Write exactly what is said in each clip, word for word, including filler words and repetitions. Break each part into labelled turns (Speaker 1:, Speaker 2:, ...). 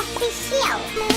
Speaker 1: Official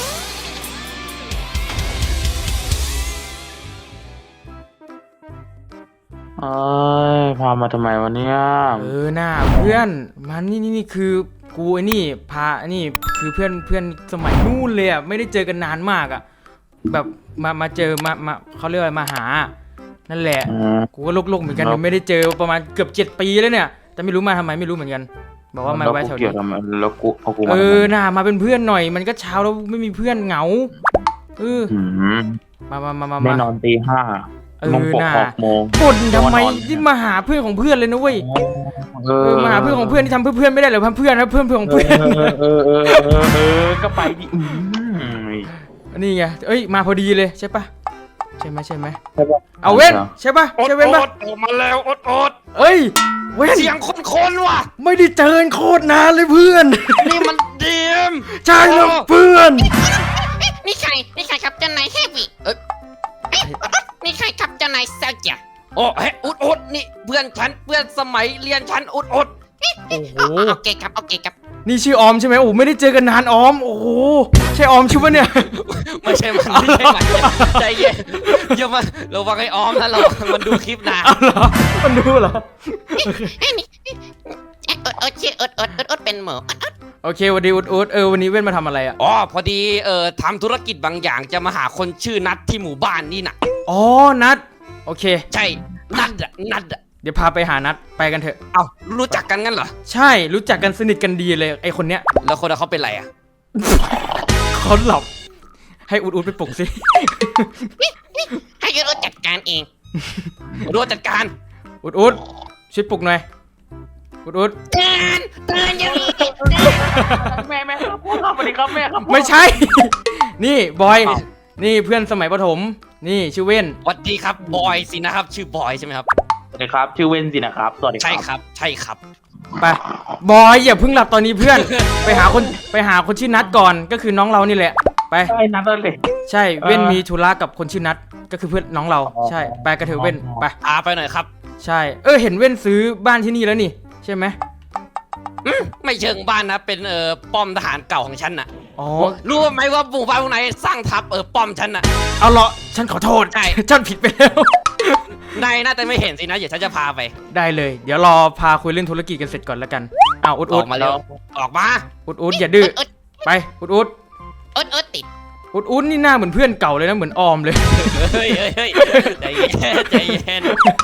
Speaker 2: เอ้ยพามาทำไมวะเนี่ย
Speaker 3: เออหน้าเพื่อนมันนี่นี่นี่คือกูไอ้นี่พาไอ้นี่คือเพื่อนเพื่อนสมัยนู่นเลยอ่ะไม่ได้เจอกันนานมากอ่ะแบบมามาเจอมามาเขาเรียกว่ามาหานั่นแหละกูก็โลกๆเหมือนกันไม่ได้เจอประมาณเกือบเจ็ดปีแล้วเนี่ยแต่ไม่รู้มาทำไมไม่รู้เหมือนกันบอกว่ามาไว้แถวนี้
Speaker 2: แล้วกูเอากูมา
Speaker 3: เออหน้ามาเป็นเพื่อนหน่อยมันก็เช้าแล้วไม่มีเพื่อนเหงาเออมามามามา
Speaker 2: ไม่นอนตีห้า
Speaker 3: เออหน้า
Speaker 2: โมง
Speaker 3: บ่นทำไมที่มาหาเพื่อนของเพื่อนเลยนะเว้ยเออมาหาเพื่อนของเพื่อนที่ทำเพื่อเพื่อนไม่ได้หรอเพื่อนนะเพื่อนเพื่อนของเพื่อน
Speaker 2: เออเออเออเออก็ไปดิ
Speaker 3: นี่ไงเอ้ยมาพอดีเลยใช่ปะใช่ไหมใช่ไหมเอาเว้นใช่ปะใช่เว้นปะ
Speaker 4: ออกมาแล้วอดอด
Speaker 3: เอ้ยเว้น
Speaker 4: เสียงคนๆว่ะ
Speaker 3: ไม่ได้เจอโคตรนานเลยเพื่อน
Speaker 4: นี่มันเดียม
Speaker 3: ใช่แล้วเพื่อน
Speaker 1: นี่ใครนี่ใครครับเจ้านายเฮฟวี่เอ้ยนี่ใครครับเจ้านายเซลเจีย
Speaker 4: โอ้เฮ้อุดอุดนี่เพื่อนฉันเพื่อนสมัยเรียนฉันอุดอุด
Speaker 3: โอ้โห
Speaker 1: โอเคครับโอเคครับ
Speaker 3: นี่ชื่อออมใช่ไหมโอ้ไม่ได้เจอกันนานออมโอ้โหใช่ออมชื่อปะเนี่ย
Speaker 4: ไม่ใช่มันไม่ใช่มันใจเย็นอย่ามาเราฟังไอ้ออมนะเรามันดูคลิปนะ
Speaker 3: เอาเหรอมันดูเหรอ
Speaker 1: อดอดชื่ออดอดอดอดเป็นหมู
Speaker 3: โอเควันดีอุดอุดเออวันนี้เว้นมาทำอะไรอ่ะ
Speaker 4: อ๋อพอดีเอ่อทำธุรกิจบางอย่างจะมาหาคนชื่อนัทที่หมู่บ้านนี่นะ
Speaker 3: อ๋อนัทโอเค
Speaker 4: ใช่นัทอะนัทอะ
Speaker 3: เดี๋ยวพาไปหานัทไปกันเถอะ
Speaker 4: เอ้ารู้จักกันงั้นเหรอ
Speaker 3: ใช่รู้จักกันสนิทกันดีเลยไอคนเนี้ย
Speaker 4: แล้วคนเขาเป็นไรอะ
Speaker 3: เขาหลับให้อุดอุดไปปลุกสิ
Speaker 1: ให้อุดอุดจัดการเอง
Speaker 4: อุดอุดจัดการ
Speaker 3: อุดอุดช่วยปลุกหน่อยอุดอุด
Speaker 1: เตือนเตือนอย่างนี้
Speaker 2: แม่แม่ครับสวัสดีครับแม่ครับ
Speaker 3: ไม่ใช่นี่บอยนี่เพื่อนสมัยประถมนี่ชื่อเว้น
Speaker 4: สวัสดีครับบอยสินะครับชื่อบอยใช่ไหมครับ
Speaker 2: สวัสดีครับชื่อเว้นสินะครับสวัสดีครับ
Speaker 4: ใช่ครับใช่ครับ
Speaker 3: ไปบอยอย่าเพิ่งหลับตอนนี้เพื่อนไปหาคนไปหาคนชื่อนัทก่อนก็คือน้องเรานี่แหละไป
Speaker 2: ใช่นัทเลย
Speaker 3: ใช่เว้นมีธุระกับคนชื่อนัทก็คือเพื่อนน้องเราใช่ไปกระเถอะเว้นไป
Speaker 4: พาไปหน่อยครับ
Speaker 3: ใช่เออเห็นเว้นซื้อบ้านที่นี่แล้วนี่ใช่ไหม
Speaker 4: ไม่เชิงบ้านนะเป็นเอ่อป้อมทหารเก่าของฉันน่ะ
Speaker 3: อ๋อ
Speaker 4: รู้ไหมว่าหมู่บ้านพวกไหนสร้างทับเออป้อมฉันน่ะ
Speaker 3: เอาเหรอฉันขอโทษ
Speaker 4: ใช่
Speaker 3: ฉันผิดไปแล้ว
Speaker 4: นายน่าจะไม่เห็นสินะเดี๋ยวฉันจะพาไป
Speaker 3: ได้เลยเดี๋ยวรอพาคุยเรื่องธุรกิจกันเสร็จก่อนแล้วกันอ้าวอุดอุด
Speaker 4: ออกมาเร็วออกมา
Speaker 3: อุดอุดอย่าดื้อไปอุดอุด
Speaker 1: อุดอุดติด
Speaker 3: อุดอุดนี่หน้าเหมือนเพื่อนเก่าเลยนะเหมือนออมเลย
Speaker 4: เฮ้ยเฮ้ยเฮ้ยใจเย็นใจเย็น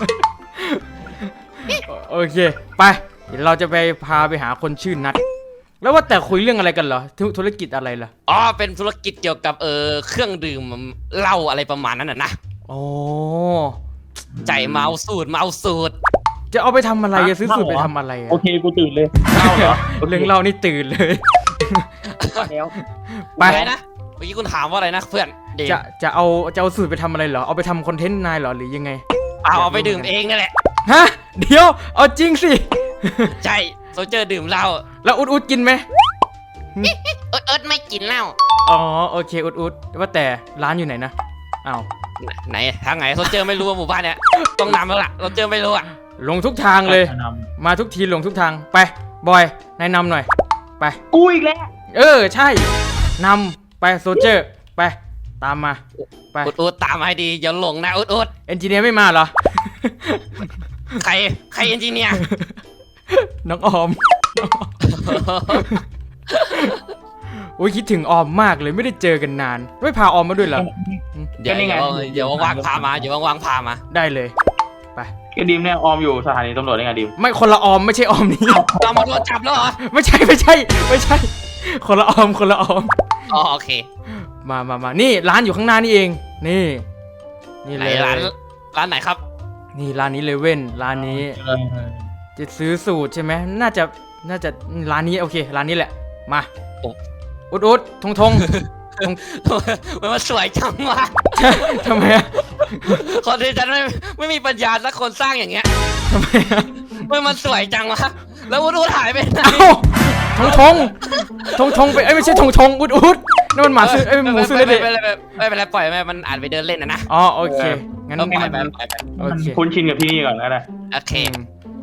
Speaker 3: โอเคไปเดี๋ยวเราจะไปพาไปหาคนชื่อนัทแล้วว่าแต่คุยเรื่องอะไรกันเหรอธุรกิจอะไรล่ะ
Speaker 4: อ๋อเป็นธุรกิจเกี่ยวกับเออเครื่องดื่มเหล้าอะไรประมาณนั้นน่ะนะ
Speaker 3: โอ้
Speaker 4: ใจเมาสูตรเมาสูตร
Speaker 3: จะเอาไปทำอะไรจะซื้อสูตรไปทำอะไร
Speaker 2: โอเคกูตื่นเลยเล่าเหรอ
Speaker 3: เรื่องเล่านี่ตื่นเลย
Speaker 4: แล้วไปนะเมื่อกี้คุณถามว่าอะไรนะเพื่อน
Speaker 3: จะจะเอาจะเอาสูตรไปทำอะไรเหรอเอาไปทำคอนเทนต์นายเหรอหรือยังไง
Speaker 4: เอาเอาไปดื่มเองนั่นแหละ
Speaker 3: ฮะเดี๋ยวเอาจริงสิ
Speaker 4: ใช่โซเจอร์ดื่มเหล้า
Speaker 3: แล้วอุดอุดกินไหม
Speaker 1: อุดอุดไม่กินเหล้า
Speaker 3: อ๋อโอเคอุดอุดว่าแต่ร้านอยู่ไหนนะอ้าว
Speaker 4: ไหนทางไหนโซเจอร์ไม่รู้ว่าหมู่บ้านเนี้ยต้องนำแล้วล่ะโซเจอร์ไม่รู้อ่ะ
Speaker 3: ลงทุกทางเลยมาทุกทีลงทุกทางไปบอยนายนำหน่อยไป
Speaker 2: กูอีกแล้ว
Speaker 3: เออใช่นำไปโซเจอร์ไปตามมา
Speaker 4: ไปอุดอุดตามให้ดีอย่าหลงนะอุดอุด
Speaker 3: เอนจิเนียร์ไม่มาเหรอ
Speaker 4: ใครใครเอนจิเนียร์
Speaker 3: น้องออมโอ้ยคิดถึงออมมากเลยไม่ได้เจอกันนานไม่พาออมมาด้วยเหรอ
Speaker 4: เดี๋ยวเดี๋ยวว่างพามาเดี๋ยวว่างพามา
Speaker 3: ได้เลยไป
Speaker 2: ไอ้ดิมเนี่ยออมอยู่สถานีตำรวจได้ไงดิม
Speaker 3: ไม่คนละออมไม่ใช่ออมนี่
Speaker 4: ตำรวจจับแล้วเหรอ
Speaker 3: ไม่ใช่ไม่ใช่ไม่ใช่คนละออมคนละออม
Speaker 4: อ๋อโอเค
Speaker 3: มามามานี่ร้านอยู่ข้างหน้านี่เองนี่นี่เลย
Speaker 4: ร้านร้านไหนครับ
Speaker 3: นี่ร้านนี้เลยเว้นร้านนี้จะซื้อสูตรใช่ไหมน่าจะน่าจะร้านนี้โอเคร้านนี้แหละมาอุดอุดทงทง
Speaker 4: มันสวยจังวะ
Speaker 3: ทำไมอ่ะ
Speaker 4: คนที่ฉันไม่ไม่มีปัญญาสักคนสร้างอย่างเงี้ย
Speaker 3: ทำไมอ่ะ
Speaker 4: มันสวยจังวะแล้วอุดอุดหายไปไหน
Speaker 3: ทงทงทงทงไปเอ้ยไม่ใช่ทงทงอุดอุดนั่นมันหมาซื้อเอ้ยหมูซื้อเลย
Speaker 4: ไม่เป็นไรไม่เป็นไรปล่อยไปมันอาจไปเดินเล่นนะนะ
Speaker 3: อ๋อโอเคงั้น
Speaker 4: ปล่อยไป
Speaker 2: คุ้นชินกับที่นี่ก่อนแล้วนะ
Speaker 4: โอเค
Speaker 3: โ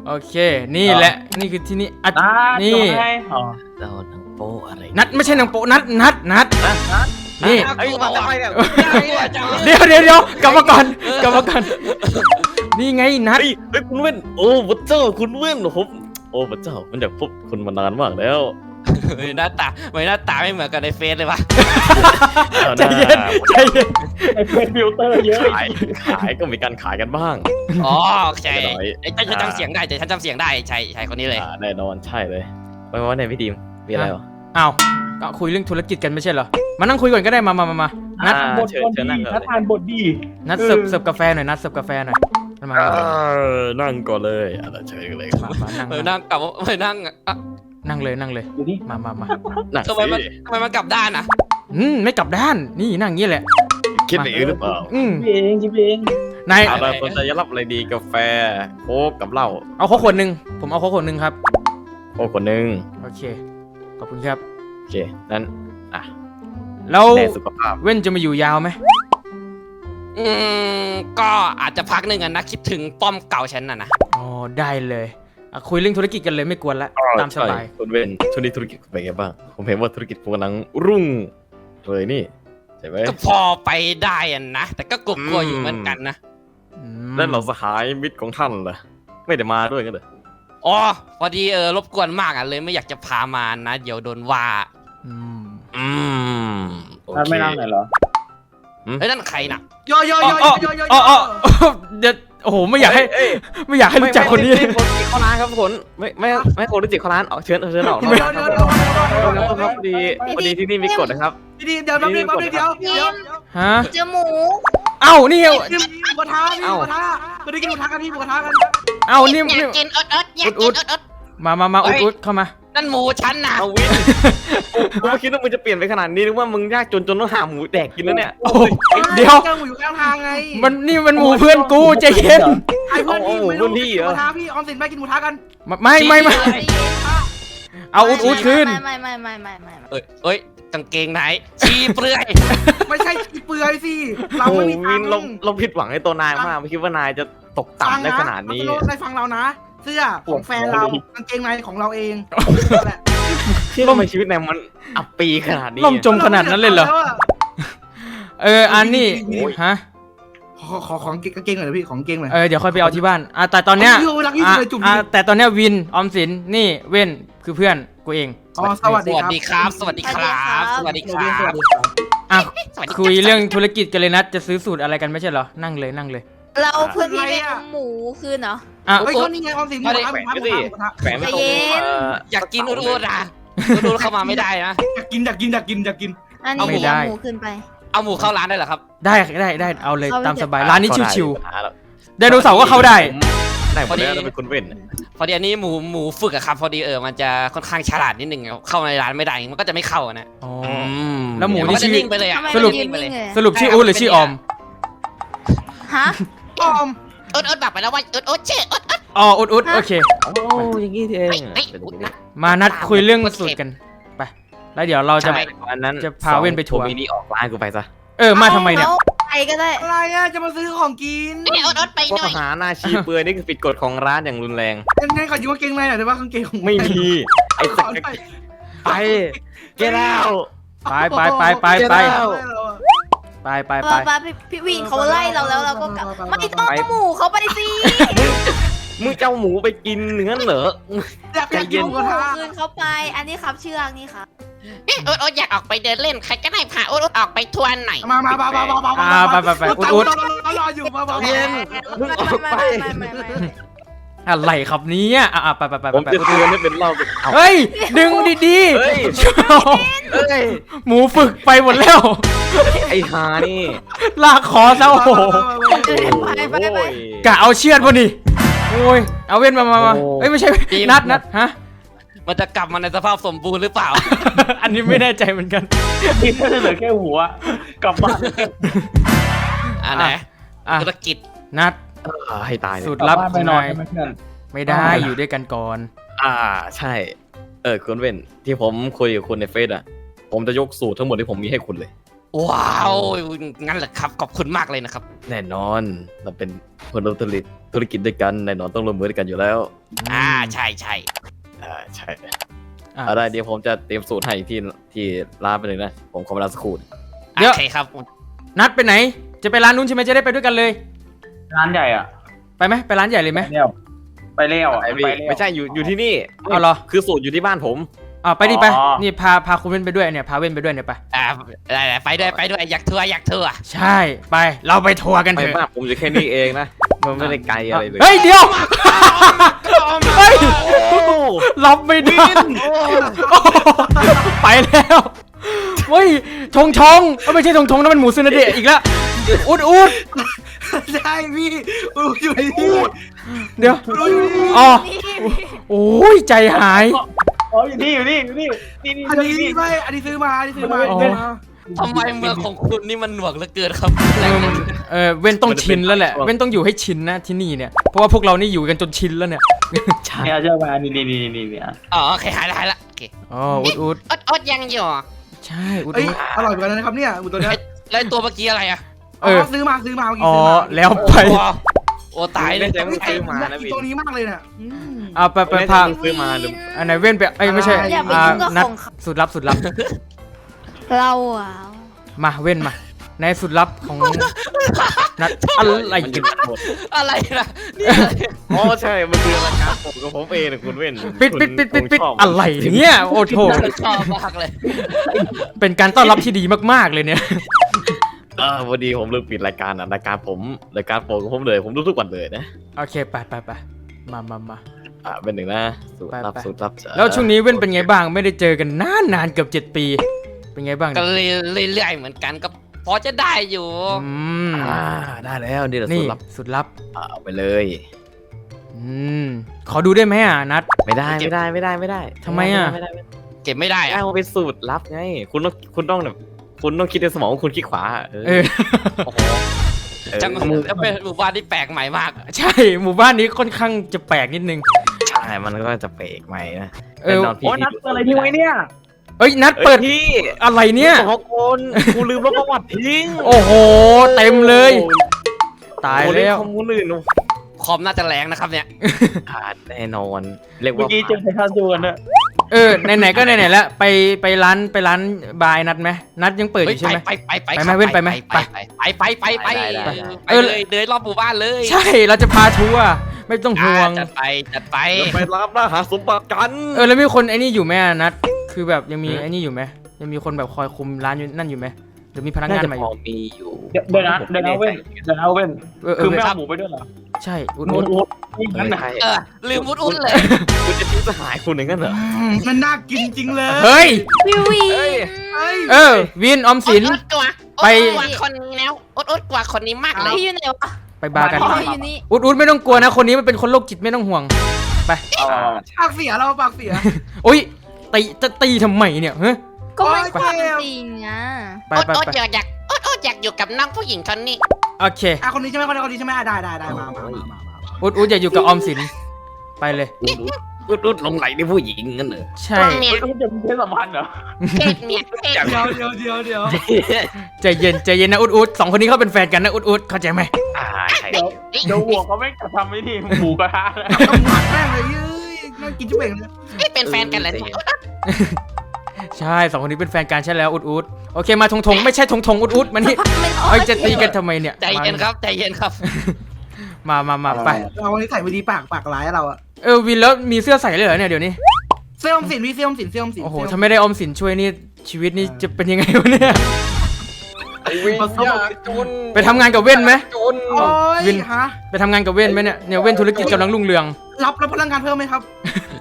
Speaker 3: โอเค นี่แหละนี่คือที่นี่อ่ะ
Speaker 2: อ่า
Speaker 3: นี่
Speaker 2: จบไงอ๋อ
Speaker 4: เราหนังโป๊อะไร
Speaker 3: นัดไม่ใช่นางโปะนัดนัดนัดนี่
Speaker 4: ไอ้ยมาทำไมเนี่ย
Speaker 3: เดี๋ยวเดี๋ยวเดี๋ยวกลับมาก่อนกลับมาก่อนนี่ไงนัด
Speaker 5: เฮ้ยเฮ้ยคุณเว้นโอ้พระเจ้าคุณเว้นผมโอ้พระเจ้ามันอยากพบคุณมานานมากแล้ว
Speaker 4: เฮ้ยหน้าตาไม่หน้าตาไม่เหมือนกันในเฟซเลยวะ
Speaker 3: ใจเย็นใจเย็น
Speaker 2: ไอ้เป็นฟิลเตอร์เยอะ
Speaker 5: ขายขายก็มีการขายกันบ้าง
Speaker 4: อ๋อโอเค
Speaker 5: หน่อย
Speaker 4: ไอ้ฉันจำเสียงได้แต่ฉันจำเสียงได้ใช่ใช่คนนี้เลย
Speaker 5: อ่าแน่นอนใช่เลยไปว่าไหนพี่ดีมมีอะไรวะ
Speaker 3: อ้าวก็คุยเรื่องธุรกิจกันไม่ใช่เหรอมานั่งคุยก่อนก็ได้มามามามานัด
Speaker 5: อ่า
Speaker 2: บท
Speaker 5: เชิญ
Speaker 2: บท
Speaker 5: เชิญ
Speaker 2: ดี
Speaker 5: นั่งก่อน
Speaker 2: ถ้า
Speaker 5: เลย
Speaker 2: ทานบทดี
Speaker 3: นัดเสิร์ฟเสิร์ฟกาแฟหน่อยนัดเสิร์ฟกาแฟหน่อยมามา
Speaker 5: เออนั่งก่อนเลยอ่ะเชิญเลยครับ
Speaker 3: มานั่ง
Speaker 4: เออนั่งกลับเออนั่งอ่ะ
Speaker 3: นั่งเลยนั่งเลย
Speaker 2: อยู่นี่
Speaker 3: มามามา
Speaker 5: นั่ง
Speaker 4: ทำไมมัน
Speaker 5: สิ
Speaker 4: ทำไมมันกลับด้านอ่ะ
Speaker 3: อืมไม่กลับด้านนี่นั่งอย่างนี้แหละ
Speaker 5: คิดไปเองหรือเปล่า
Speaker 3: อืม
Speaker 2: ชิบเองชิบเอง
Speaker 3: นาย
Speaker 5: เอาละคนจะรับอะไรดีกาแฟโค้กกับเหล้า
Speaker 3: เอาโค้กขวดหนึ่งผมเอาโค้กขวดหนึ่งครับ
Speaker 5: โค้กคนหนึ่ง
Speaker 3: โอเคขอบคุณครับ
Speaker 5: โอเคนั้นอ่ะ
Speaker 3: แล้ว
Speaker 5: แด่สุขภาพ
Speaker 3: เว้นจะมาอยู่ยาวไหม
Speaker 4: อืมก็อาจจะพักหนึ่งอะนะคิดถึงป้อมเก่าฉันน่ะนะ
Speaker 3: อ๋อได้เลยอ่ะคุยเรื่องธุรกิจกันเลยไม่กวนละตามสบาย
Speaker 5: ใช่คุณเว้นช่วงนี้ธุรกิจเป็นไงบ้างผมเห็นว่าธุรกิจคุณกำลังรุ่งเลยนี่ใช่ไหม
Speaker 4: ก็พอไปได้อะนะแต่ก็กลัวๆอยู่เหมือนกันนะ
Speaker 3: อืม
Speaker 5: นั่นเราสหายมิตรของท่านเหรอไม่ได้มาด้วยกันเหรอ
Speaker 4: อ๋อพอดีเออรบกวนมากอ่ะเลยไม่อยากจะพามานะ เดี๋ยวโดนว่า
Speaker 3: อืม
Speaker 4: อืม
Speaker 5: โอ
Speaker 2: ท่าน
Speaker 5: เค
Speaker 2: ไม่นั่งหน่อยเหรอ
Speaker 4: เฮ้ยนั่นใครน่ะ
Speaker 6: โยโยโย
Speaker 3: อ๋อ
Speaker 6: โยโยโย
Speaker 3: อ๋ออ๋ออ๋อเดี๋ยวโอ้โหไม่อยากให้
Speaker 5: เอ้ย
Speaker 3: ไม่อยากให้รู้จักคนนี้
Speaker 5: ไม่ไม่ไม่คนจิตเข้าร้านครับคนไม่ไม่ไม่คนรู้จิตเข้าร้านออกเชิญเชิญออก
Speaker 6: โย
Speaker 5: นะ
Speaker 6: โย
Speaker 5: ครับ
Speaker 6: โยโยโย
Speaker 5: ครับพอดีพอดีที่นี่มีกฎนะครับ
Speaker 6: พี่ดีเดี๋ยวแป๊บนึงแป๊บนึงเดี๋ยวเดี๋ยว
Speaker 3: ฮะ
Speaker 7: เจอหมู
Speaker 3: เอ้านี่
Speaker 6: พี่หมูกระทะพี่หมูกระทะก็ได้กินหมูกระทะกันพี่หมูกระทะกัน
Speaker 3: เอ้านี่
Speaker 1: อยา
Speaker 3: นี่
Speaker 1: กกินอดอดอยากกินอดอด
Speaker 3: มามามาอุดอุดเข้ามา
Speaker 4: นั่นหมูฉันน่ะ
Speaker 5: เอาวินกูไม่คิดว่ามึงจะเปลี่ยนไปขนาดนี้นึกว่ามึงยากจนจนต้องหาหมูแดกกินแล้วเนี่ย
Speaker 3: โอ้โหเดี๋ยว
Speaker 6: เจอหมูอยู่ข้างทางไง
Speaker 3: มันนี่มันหมู่เพื่อนกูใจเย็น
Speaker 6: ไอ้เพื่อนพี่ไม่รู้กินหมูกระทะพี่ออมสินไปกินหมูกระทะกัน
Speaker 3: ไม่ไม่ไม่เอาอุดอุดขึ้น
Speaker 7: ไม่ไม่ไม่ไม่ไม่ไม่
Speaker 4: เอ้ยเอ้ยกางเกงไหนชีเปลือย
Speaker 6: ไม่ใช่เปลือยสิเรา
Speaker 5: โอ้
Speaker 6: ไม่
Speaker 5: โห
Speaker 6: มี
Speaker 5: วิ
Speaker 6: ตั
Speaker 5: น
Speaker 6: งค์
Speaker 5: เราเราผิดหวังในตัวนายมากไม่คิดว่านายจะตกต่ำได้ขนาดนี้
Speaker 6: ฟังะในฟังเรานะ เสื้อของแฟนเรากางเกงในของเราเองแหละ
Speaker 5: ที่ทำไมชีวิตนายมันอับปีขนาดนี้
Speaker 3: ล่มจมขนาดนั้นเลยเหรอ เอออันนี้ฮะ
Speaker 6: ขอขอของกางเกงหน่อยพี่ของกางเกงหน่อย
Speaker 3: เออเดี๋ยวค่อยไปเอาที่บ้านอ่ะแต่ตอนเนี้ย
Speaker 6: พี่รักที่สุดเลยจุ่ม
Speaker 3: อ่ะแต่ตอนเนี้ยวินออมสินนี่เว้นคือเพื่อนกูเอง
Speaker 6: อ๋อสวัส
Speaker 4: ส
Speaker 6: ดี
Speaker 4: วัส
Speaker 6: ครับ
Speaker 4: ดีครับ สวัสดีครับ สวัสดีค
Speaker 6: สวัสดี
Speaker 4: รั
Speaker 6: ครับ บ
Speaker 3: อ่ะ
Speaker 1: สวัสดี
Speaker 3: คุยเรื่องธุรกิจกันเลยนะจะซื้อสูตรอะไรกันไม่ใช่เหรอนั่งเลยนั่งเลย
Speaker 7: เราเพื่อนพี่ไปเอาหมูคืนเหรอ
Speaker 3: อ่ะ
Speaker 6: เฮ้ยก็นี่ไงออมสินหมูกระทะหมูกระทะหมูกระทะ
Speaker 5: แฝงไม่ตรง
Speaker 7: ใจเย็น
Speaker 5: เอ่อ
Speaker 4: อยากกินอุดอุดอ่ะอุดอุดเข้ามาไม่ได้นะ
Speaker 6: อยากกินอยากกินอยากกินอยากกิน
Speaker 7: อันนี้เอาหมูคืนไป
Speaker 4: เอาหมูเข้าร้านได้เหรอครับ
Speaker 3: ได้ได้ได้เอาเลย
Speaker 7: เอาเลย
Speaker 3: ตามสบายร้านนี้ชิว
Speaker 5: หาแล้ว
Speaker 3: ๆไดโนเสาร์ก็เข้าได้
Speaker 5: ได้หมดแล้วเราเป็นคนเว้น
Speaker 4: พอดีอันนี้หมูหมูฝึกอะครับ พอดีเออมันจะค่อนข้างฉลาดนิดนึงเข้าในร้านไม่ได้มันก็จะไม่เข้าอะนะ
Speaker 3: อ๋อ
Speaker 4: ม
Speaker 3: แล้วหมูนี่
Speaker 4: นก็จะ
Speaker 3: ชื่อ
Speaker 4: นิ่งไปเลยอะ
Speaker 7: ทำไม
Speaker 3: สรุป
Speaker 7: มันยืนนิ่งเลย
Speaker 3: สรุปชื่ออู๊ดหรือชื่อออม
Speaker 7: ฮะ
Speaker 6: ออม
Speaker 1: อดอดบอกไปแล้วว่าอดอดชื่ออดอด
Speaker 3: อ๋ออุดอุดโอเค
Speaker 5: โอ้อย่างนี้เอง
Speaker 1: เฮ้ยอุดนะ
Speaker 3: มานัดคุยเรื่องสูตรกันไปแล้วเดี๋ยวเราจะ
Speaker 5: ใช่อันนั้น
Speaker 3: จะพาเว้นไปทัวร์
Speaker 5: มีนี่ออกร้านกูไปซะ
Speaker 3: เออมาทำไมเนี่ย
Speaker 7: อาไปก็ได้
Speaker 6: อะไรอ่ะจะมาซื้อของกิน
Speaker 1: นี่อดอดไป
Speaker 5: ข้
Speaker 1: หน่
Speaker 5: อ
Speaker 1: อย
Speaker 5: หาหน้าชีเปลือยนี่คือผิดกฎของร้านอย่างรุนแรง
Speaker 6: ยังไงขอยืมกางเกงในหน่อยได้ป่ะกางเกงของ
Speaker 5: ไม่มีไอ้
Speaker 6: ข
Speaker 5: สั
Speaker 6: อก หน่อย
Speaker 5: ไปเกล้า
Speaker 3: ไปไปไปไปไป
Speaker 5: เจ้า
Speaker 3: ไปไป
Speaker 7: เอ
Speaker 3: ไป
Speaker 7: อไปพี่พี่วินเขาไล่เราแล้วเราก็กลับไม่ต้องเอาหมูเขาไปสิ
Speaker 5: มึงเจ้าหมูไปกินเนื้อเหรอ
Speaker 6: อยากอยากกินหมูกระทะ
Speaker 7: คืนเขาไป อันนี้ครับเชือกนี่ครับ
Speaker 1: นี่อดอดอยากออกไปเดินเล่นใครก็ได้พาอดอดออกไปทัวร์หน่อย
Speaker 6: มามามามามามา
Speaker 3: อ่าไปไปไปอุดอุด
Speaker 6: รอรออยู่มามา
Speaker 5: เย็น มึงออกไป
Speaker 7: ไม่ไม่ไม่ไม่ไม่
Speaker 3: อะไรครับเนี้อ่ะอ่ะไปไปไป
Speaker 5: ผม
Speaker 3: ไป
Speaker 5: จะเตือนให้เป็นเหล่าเอา
Speaker 3: เฮ้ยดึงดี
Speaker 5: เฮ้ย
Speaker 3: ๆ
Speaker 5: เอ้ย
Speaker 3: หมูฝึกไปหมดแล้ว
Speaker 5: ไอ้ฮานี่
Speaker 3: ลากคอซะโอ้โห
Speaker 7: ไปไปไป
Speaker 5: โอ้ย
Speaker 3: กะเอาเชือดพอดีโอ้ยเอาเว้นมามามา
Speaker 5: โอ้
Speaker 3: เอ้ยไม่ใช่นัดนัดฮะ
Speaker 4: มันจะกลับมาในสภาพสมบูรณ์หรือเปล่า
Speaker 3: อันนี้ไม่แน่ใจเหมือนกัน
Speaker 2: กินแค่เหลือแค่หัวกลับบ้าน
Speaker 4: อ่าไหน
Speaker 3: อ่ะ
Speaker 4: ธุรกิจ
Speaker 3: นัด
Speaker 5: อ่าให้ตายเลย
Speaker 3: สูตรลับของนาย
Speaker 2: ไม่เพื่อน
Speaker 3: ไม่ได้อยู่ด้วยกันก่อน
Speaker 5: อ่าใช่ เออคุณเว้นที่ผมคุยกับคุณในเฟซอ่ะ ผมจะยกสูตรทั้งหมดที่ผมมีให้คุณเลย
Speaker 4: ว้าวงั้นเหรอครับขอบคุณมากเลยนะครับ
Speaker 5: แน่นอนเราเป็นคนร่วมธุรกิจธุรกิจด้วยกันแน่นอนต้องร่วมมือด้วยกันอยู่แล้ว
Speaker 4: อ่าใช่ใช่
Speaker 5: อ่าใช่
Speaker 3: อ่ะ
Speaker 5: เอาได้เดี๋ยวผมจะเตรียมสูตรให้ที่ที่ร้านไปเลยนะผมขอเวลาสักครู่
Speaker 3: เดี๋ยว
Speaker 4: โอเคครับ
Speaker 3: นัดไปไหน จะไปร้านนู้นใช่ไหมจะได้ไปด้วยกันเลย
Speaker 2: ร้านใหญ่อ่ะ
Speaker 3: ไปไหมไปร้านใหญ่เลยไหม
Speaker 2: เลี้ยวไปเลี้ยวอ่ะ
Speaker 5: ไอ้พี่
Speaker 2: ไปเลี้ยว
Speaker 5: ไม่ใช่อยู่อยู่ที่นี่
Speaker 3: เอาเหรอ
Speaker 5: คือสูตรอยู่ที่บ้านผม
Speaker 3: อ่าไปดิไป
Speaker 2: อ๋อ
Speaker 3: นี่พาพาคุณเว้นไปด้วยเนี่ยพาเว้นไปด้วยเนี่ยไป
Speaker 4: อ่าได้ๆไปด้วยไปด้วยอยากทัวร์อยากทัวร์
Speaker 3: ใช่ไปเราไปทัวร์กัน
Speaker 5: ไม่
Speaker 3: เถอะ
Speaker 5: มากผมอยู่แค่นี้เองนะมันไม่ได้ไกลอะไรเลย
Speaker 3: เฮ้ยเดี๋ยวเฮ้ย
Speaker 5: โอ้
Speaker 3: รับไม่ได้ไปแล้วเฮ้ยทงทงเอ้ยไม่ใช่ทงทงนั่นมันหมูซึนาเดะอีกแล้วอุดอุด
Speaker 6: ใช่พี่อูอยู่นี่
Speaker 3: เดี๋ยว
Speaker 6: อูอยู่นี่
Speaker 3: อ๋อ
Speaker 7: นี่
Speaker 3: โอ้ยใจหาย
Speaker 2: อ๋ออยู่นี่อยู่นี่อยู่นี่นี่นี่
Speaker 6: อันนี้ไม่อันนี้ซื้อมาอันนี้ซื้อมา
Speaker 3: อ๋อ
Speaker 6: ซื้อมา
Speaker 4: ทำไมเมืองของคุณนี่มันหน่วงเหลือเกินครับ
Speaker 3: เออมันเออเว้นต้องชินแล้วแหละเว้นต้องอยู่ให้ชินนะที่นี่เนี่ยเพราะว่าพวกเรานี่อยู่กันจนชินแล้วเนี่ย
Speaker 2: เนี่ยเชื่อมานี่นี่นี่นี่เนี่ย
Speaker 4: อ๋อโอเคหายละหายละโอเค
Speaker 3: อ๋ออุดอุด
Speaker 1: อดอดยังอยู่
Speaker 3: ใช่อุด
Speaker 6: เอ้ย
Speaker 3: อุด
Speaker 6: อร่อยเหมือนกันนะครับเนี่ยหมูตัวเนี้ย
Speaker 4: แล้วตัวเมื่อกี้อะไรอ่ะ
Speaker 3: เออ
Speaker 6: ซื้อมาซื้อมาเมื่อกี้
Speaker 3: อ๋อ
Speaker 6: ซื้อมา
Speaker 3: แล้วไป
Speaker 4: โอ้โอ้ตายเลย
Speaker 5: ใจไม่ซื้อมานะ
Speaker 6: อี
Speaker 5: พี่
Speaker 6: ตัวนี้มากเลยเนี่ยอืม
Speaker 3: เอาไปไปพา
Speaker 5: ซื้อมาหรือ
Speaker 3: อันไหนเว้นไปเอ้ยไม่ใช่
Speaker 7: อย่าไป
Speaker 3: อ่า
Speaker 7: ยุ่งกับ
Speaker 3: นัด
Speaker 7: ของเขา
Speaker 3: สุดลับสุดลับ
Speaker 7: เราอ่ะ
Speaker 3: มาเว้นมาในสุดลับของนัดอะไร
Speaker 5: มัน
Speaker 3: กั
Speaker 5: จะ
Speaker 3: น
Speaker 5: หมด
Speaker 4: อะไรนะนี่อะไร
Speaker 5: อ๋อใช่มันคือรายการผมกับผมเองนะคุณเว้น
Speaker 3: ปิดปิดปิดปิดปิด
Speaker 5: คุณชบ
Speaker 3: อะไรเนี่ยโอ้โถ
Speaker 4: ชอบมากเลย
Speaker 3: เป็นการต้อนรับที่ดีมากๆเลยเนี่ย
Speaker 5: เออพอดีผมลืมปิดรายการอ่ะรายการผมรายการผมของผมเลยผมดูทุกวันเลยนะ
Speaker 3: โอเคไปไปไปมามามา
Speaker 5: อ่าเป็นหนึ่งนะสูตรลับ
Speaker 3: ไปไป
Speaker 5: สูตรลับจ้ะ
Speaker 3: แล้วช่วงนี้เว้นเป็นไงบ้างไม่ได้เจอกันนานนานๆเกือบเจ็ดปี เป็นไงบ้าง
Speaker 4: ก็
Speaker 3: เนี่ย
Speaker 4: เรื่อยๆเหมือนกันก็พอจะได้อยู่
Speaker 3: อืม
Speaker 5: อ่าได้แล้วนี่แหละสู
Speaker 3: นี่
Speaker 5: ตรลับ
Speaker 3: สุดลับ
Speaker 5: อ่าเอาไปเลย
Speaker 3: อืมขอดูได้ไหมอ่ะนัด
Speaker 5: ไม่ได้ไม่ได้ไม่ได้ไม่ได้
Speaker 3: ทำไมอะ
Speaker 5: ไม่ได้ไม่ได้
Speaker 4: เก็บไม่ได้
Speaker 5: ไม่ได้
Speaker 4: อะ
Speaker 5: เอาเป็นสูตรลับไงคุณต้องคุณต้องแบบคุณต้องคิดในสมองว่าคุณคิดขวาเออ
Speaker 3: เออ
Speaker 4: โอ้โห
Speaker 5: เออ
Speaker 4: จังแล้วเป็นหมู่บ้านที่แปลกใหม่มาก
Speaker 3: ใช่หมู่บ้านนี้ค่อนข้างจะแปลกนิดนึง
Speaker 5: ใช่มันก็จะเปรกใหม่นะ
Speaker 3: เออ
Speaker 5: แน่นอนพี่
Speaker 2: โอ้นัดอะไรทิ้งไว้เนี่ย
Speaker 3: เอ้ยนัด
Speaker 5: เปิ
Speaker 3: เปิ
Speaker 5: ด
Speaker 3: ด
Speaker 5: ที่
Speaker 3: อะไรเนี่ย
Speaker 5: สองคนกูลืมลบประวัติทิ้ง
Speaker 3: โอ้โหเต็มเลย ตาย
Speaker 5: โอ้โห
Speaker 3: แล้ว
Speaker 5: ข้อมูลอื่น
Speaker 4: คอมน่าจะแรงนะครับเนี่ย
Speaker 5: ขาดแน่นอนเรียก
Speaker 2: เมื่อ
Speaker 5: ว่า
Speaker 2: กี้เจอไททันจูกันนะ
Speaker 3: เออไหนๆก็ไหนๆแล้วไปไปร้านไปร้านบายนัดไหมนัดยังเปิดอยู่ใช่ไหม
Speaker 4: ไปไปไป
Speaker 3: ไปไหมเว้นไปไหม
Speaker 4: ไปไปไปไปไปไปไปเลยเดินรอบหมู่บ้านเลย
Speaker 3: ใช่เราจะพาทัวร์ไม่ต้องห่วง
Speaker 4: จัดไปจัดไป
Speaker 5: ไปรับล่าหาสมบัติกัน
Speaker 3: เออแล้วมีคนไอ้นี่อยู่ไหมอะนัดคือแบบยังมี
Speaker 5: ฮะ
Speaker 3: ไอ้นี่อยู่ไหมยังมีคนแบบคอยคุมร้านอยู่นั่นอยู่ไหมหรือมีพนักาน
Speaker 5: น่างจะ
Speaker 3: ใหม่
Speaker 5: พอมีอยู่
Speaker 2: เดี๋ยวเดี๋ยวนะเดี๋ยวนะเว้นเดี๋ยวนะเว้น
Speaker 3: เออเอ
Speaker 2: คือ
Speaker 3: อ
Speaker 2: ไม่เอาหมูไปด้วยเหรอ
Speaker 3: ใช่อุด
Speaker 2: หมู
Speaker 3: อุด
Speaker 2: หมูนี่นั่นน่ะ
Speaker 5: ใช่
Speaker 4: เออลืมวุ้นอุ้นเลย
Speaker 5: คุณจะทิ้งสหายคุณอย่างนั้นเหรอ
Speaker 6: อืมมันน่ากินจริงเลย
Speaker 3: เฮ้ย
Speaker 7: วิววิ
Speaker 5: เอ้ย
Speaker 7: น
Speaker 6: เฮ้ย
Speaker 3: เออวินออมสิน
Speaker 1: อดอดกว่า
Speaker 3: ไป
Speaker 1: อดกว่าคนนี้แล้วอดอดกว่าคนนี้มากเลย
Speaker 7: พี่อยู่ไหนวะ
Speaker 3: ไปบาร์กัน
Speaker 7: อ๋ออยู่นี่
Speaker 3: อุดอุดไม่ต้องกลัวนะคนนี้มันเป็นคนโรคจิตไม่ต้องห่วงไป
Speaker 2: เอาเอาเอา
Speaker 6: ปากเสียเราปากเสีย
Speaker 3: โอ้ยตีจะตีทำไมเนี่ยเฮ้ย
Speaker 7: ก็ไม่
Speaker 6: โอ๊ย
Speaker 7: ความ
Speaker 6: เจ็บ
Speaker 7: จริงอ่ะ
Speaker 3: ไป
Speaker 1: อด
Speaker 3: ไป
Speaker 1: อด
Speaker 3: ไป
Speaker 1: อยากอยากอดอดอยากอยู่กับน้องผู้หญิงคนนี้
Speaker 3: โอเค
Speaker 6: อ่ะคนนี้ใช่ไหมคนนี้คนนี้ใช่ไหมอ่ะได้ได้ได้มามามามา
Speaker 3: อุดอุดอย่าอยู่กับออมสินไปเลย
Speaker 5: รุดรุดหลงไหลในผู้หญิงงั้นเหรอ
Speaker 3: ใช่
Speaker 1: เมีย
Speaker 2: เฮ้ยจะมีเพศสัมพันธ์เหรอ
Speaker 1: เพศเมียเพศ
Speaker 6: เดี๋ยวเดี๋ยวเดี๋ยวเดี๋ยว
Speaker 3: ใจเย็นใจเย็นนะอุดอุดสองคนนี้เขาเป็นแฟนกันนะอุดอุดเข้าใจไหม
Speaker 5: อ่าใช่
Speaker 2: เดี๋ยวเดี๋ยวหัวเขาไม่กระทำไม่ดีหมูกระทะนะ
Speaker 6: ต้องหมักแม่งเลยเย้ยน่ากินจุ๊บเองเลย
Speaker 1: ไม่เป็นแฟนกันเลยเนี่ย
Speaker 3: ใช่สองคนนี้เป็นแฟนกันใช่แล้วอุดอุดโอเคมาทงทงไม่ใช่ทงทงอุดอุดมานี่
Speaker 7: ไม่
Speaker 3: เอ้ยจะตีกันทำไมเนี่ย
Speaker 4: ใจเย็นครับใจเย็นครับ
Speaker 3: มามามาไป
Speaker 6: เราวันนี้ใส่ไปดีปากปากร้ายเราอะ
Speaker 3: เออวินแล้วมีเสื้อใส่เลยเหรอเนี่ยเดี๋ยวนี้
Speaker 6: เสื้ออมสินพี่เสื้ออมสินเสื้ออมสิน
Speaker 3: โอ้โหถ้าไม่ได้ออมสินช่วยนี่ชีวิตนี่จะเป็นยังไงวะเนี่ย
Speaker 5: วิญญาณจน
Speaker 3: ไปทำงานกับเว้นไหม
Speaker 5: จน
Speaker 6: โอ้ย
Speaker 3: วิน
Speaker 6: ฮะ
Speaker 3: ไปทำงานกับเว้นไหมเนี่ยเนี่ยเว้นธุรกิจกำลังรุ่งเรือง
Speaker 6: รับรับพลังงานเพิ่มไหมครับ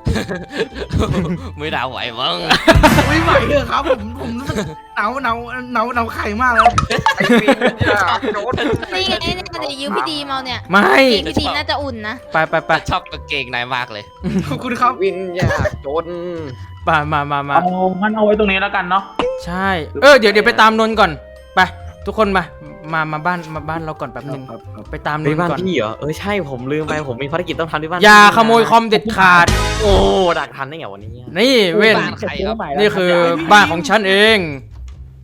Speaker 4: ไม่ได้ไหวมั้ง
Speaker 6: ไม่ไหวเลยครับผมผมรู้สึกหนาวหนาวหนาวหนาวไข่มากแล้ว
Speaker 5: ไอ้วิญญาณจน
Speaker 7: นี่ไงเนี่ยเดี๋ยวยืมพี่ดีมาเนี่ย
Speaker 3: ไม่
Speaker 7: เกงพี่ดีน่าจะอุ่นนะ
Speaker 3: ไปไปไป
Speaker 4: ชอบกางเกงในมากเลย
Speaker 6: ขอบคุณครับ
Speaker 5: วิญญาณจน
Speaker 3: ไปมามามา
Speaker 2: เอางั้นเอาไว้ตรงนี้แล้วกันเนาะ
Speaker 3: ใช่เออเดี๋ยวเดี๋ยวไปตามนนท์ก่อนไปทุกคนมามามาบ้านมาบ้านเราก่อนแป๊บนึงไปตามน
Speaker 5: ไป
Speaker 3: นท์
Speaker 5: บ้าน
Speaker 3: ก่อน
Speaker 5: พี่เหรอเออใช่ผมลืมไปผมมีภารกิจต้องทำที่บ้าน
Speaker 3: อย่าขโมยคอมเด็ดขาด
Speaker 5: โอ้ดักทันได้ไงวันนี้
Speaker 3: นี่เว้น
Speaker 4: บ้านใครครับ
Speaker 3: นี่คือบ้านของฉันเอง